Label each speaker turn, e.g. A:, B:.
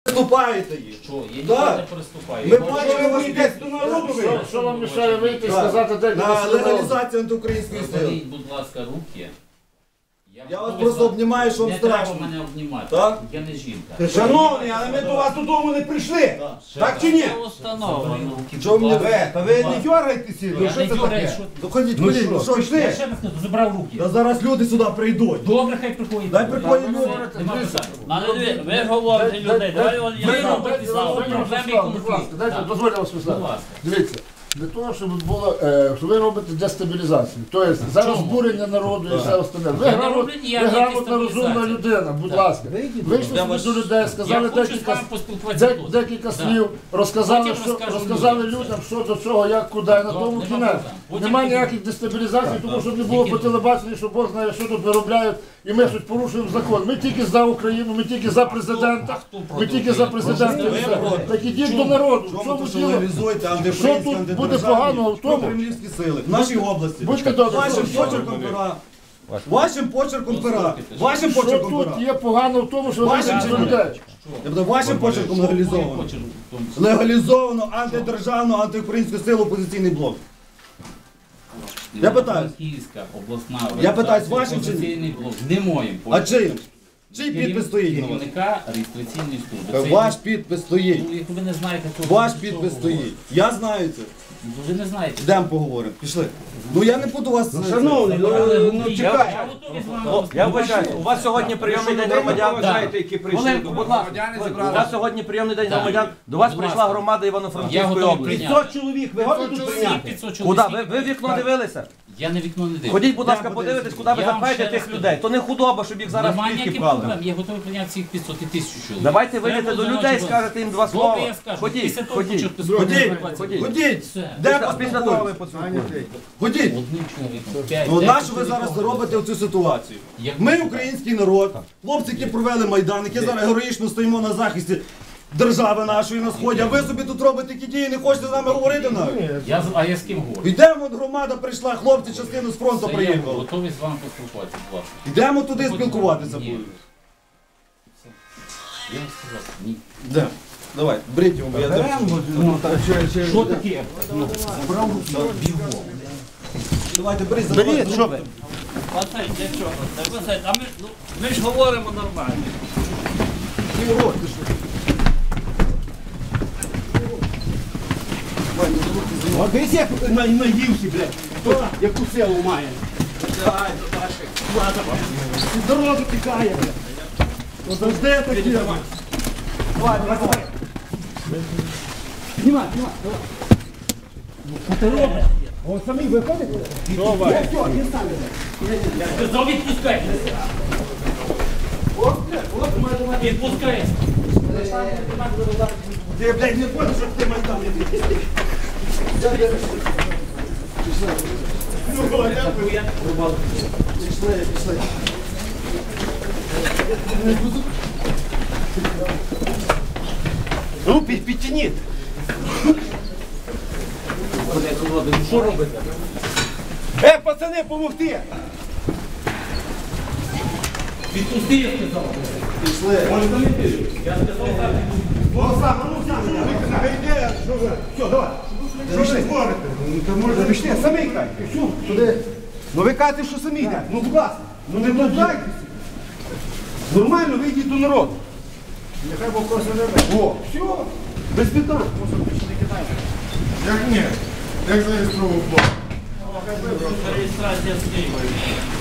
A: Приступаєте їх.
B: Що? Я
A: Да.
B: не приступаю.
A: Ми бачимо, ви йдете до народу.
C: Що вам мішає вийти і сказати, де
A: На легалізацію антиукраїнської сили.
B: Заберіть, будь ласка, руки.
A: Я вас просто обнімаю, що вам
B: Не треба
A: страшно.
B: мене обнімати.
A: Так?
B: Я не жінка.
D: Шановний, але ми до вас додому не прийшли. Так чи ні?
B: Це установлено.
A: Чого мені
D: Та ви не дергайтеся, ну
B: Я
D: що
B: не
D: це
B: дюраю,
D: таке?
B: що...
A: Ну ходіть, ходіть, ну що
B: Я
A: пішли?
B: ще раз кажу, забрав руки.
A: Та зараз люди сюди прийдуть.
B: Добре, хай приходять.
A: Дай приходять люди.
B: Нема питань.
E: Але ви ж говорите людей, давай
B: Ви робите знову проблеми і конфлікт.
C: Дозвольте вас
B: Будь
C: сказати.
B: ласка.
C: Дивіться, для того, щоб було, що ви робите дестабілізацію. Тобто за розбурення народу і все остальне. Ви
B: Я не роблю ніякої
C: грамотна, розумна
B: дестабілізації.
C: людина, будь ласка. Вийшли
B: Я
C: собі
B: вас-
C: до людей,
B: Я
C: сказали
B: хочу з
C: декілька,
B: вами поспілкуватися тут.
C: декілька слів, розказали,
B: Потім розкажу
C: розказали
B: людям.
C: людям, що до чого, як, куди, і на тому
B: нема
C: кінець.
B: проблем. Потім
C: Немає
B: тільки-
C: ніяких дестабілізацій, тому що не було по телебаченню, що Бог знає, що тут виробляють, і ми щось порушуємо закон. Ми тільки за Україну, ми тільки за президента,
B: хто проти
C: ми тільки за
B: України?
C: президента. і все. Так ідіть до народу. В
A: Чому
C: чому
A: то, що
C: діло?
A: легалізуєте
C: Що
A: антиукраїнські,
C: тут буде
A: антидержавні,
C: поганого в тому?
A: прокремлівські сили в нашій області?
C: Будьте добрі.
A: Вашим
C: що-
A: почерком пера. Вашим почерком пера. Вашим
C: Що
A: почерком
C: тут
A: пера.
C: є погано в тому, що ви
A: Вашим
C: вийдете до
A: чи ні?
C: людей?
A: Я буду вашим почерком легалізовано.
B: Почерк в тому числі.
A: Легалізовано антидержавну, антиукраїнську силу опозиційний блок. Я питаю.
B: Київська обласна
A: Я питаю,
B: організація
A: вашим чи ні?
B: «Опозиційний блок». Не моїм.
A: А чим? Чий підпис стоїть на вас?
B: Керівника реєстраційної служби. Це-
A: Ваш підпис стоїть.
B: Ну, як ви не знаєте, то
A: Ваш
B: що
A: підпис
B: ви
A: стоїть.
B: говорите?
A: Я знаю це.
B: Ну, ви не знаєте.
A: Йдемо поговоримо. Пішли. Ну я не буду вас.
D: Шановний, ну чекай.
B: Я готовий з вами
F: Я вважаю, у вас сьогодні прийомний день громадян.
D: які прийшли.
B: Хвилинку, будь ласка.
F: У вас сьогодні прийомний день громадян. До вас
B: Будь
F: прийшла
B: ласка.
F: громада
B: Я
F: Івано-Франківської
B: готовий
F: області.
B: прийняти.
D: 500 чоловік, ви готові тут прийняти?
B: 500
F: Куди?
B: чоловік.
F: Ви в вікно дивилися?
B: Я на вікно не дивлюсь.
F: Ходіть, будь ласка, подивитесь, куди ви
B: Я вам
F: запхаєте
B: ще раз
F: тих людей. То не худоба, щоб їх зараз в
B: Немає
F: клітки
B: ніяких
F: вклали.
B: проблем. Я готовий прийняти всіх 500 і 1000 чоловік.
F: Давайте
B: Треба
F: вийдете до
B: за
F: людей,
B: ночі
F: скажете їм два
B: Добре,
F: слова.
B: я скажу.
F: Ходіть,
B: Після того
F: ходіть.
B: почерк
A: Ходіть,
F: Ходіть.
A: ходіть.
B: Все.
A: Де
F: Після того ви
A: поспілкуєтесь?
F: поцілуєте.
A: Ходіть.
B: Одним чоловіком. 5,
A: Ну на що ви зараз робите оцю ситуацію? Ми український народ, хлопці, які провели Майдан, які зараз героїчно стоїмо на захисті держави нашої на сході, а ви собі тут робите які дії, не хочете з нами говорити навіть?
B: А я з ким говорю?
A: Йдемо, от громада прийшла, хлопці частину з фронту
B: Це я
A: приїхали.
B: готовий з вами поспілкуватися, будь ласка.
A: Йдемо туди спілкуватися
B: Ні.
A: будемо.
B: Я вам сказав, ні.
A: Де? Давай, беріть його, бо я держу.
B: Що таке?
A: Давайте, беріть, забирайте.
D: що ви?
E: Пацан, для чого? Так, пацан, а ми ж говоримо нормально.
D: От дивись, як наївся, блядь. Хто яку силу має? Дорогу тікає, блядь. Ну завжди такі. Давай, давай. Знімай, знімай, давай. Що ти робиш? О, самі виходите? Давай. Все, не стане.
B: Сказав, відпускай. Відпускай.
D: Ти, блядь, не понял, що ти Майдан не пішли. Ну, підтяніть.
B: Що робите?
D: Пацани, помогти!
B: Відпусти, я сказав.
D: Все, давай. Пішли. Пішли, самі йдете. Туди. Ну ви кажете, що самі йдете. Ну, будь ласка. Ну не дождайтеся. Нормально вийдіть до народу. Нехай Бог просто живе. О, все. Без питань.
C: Як ні? Як зареєстрував Бог?
E: Реєстрація з Києва.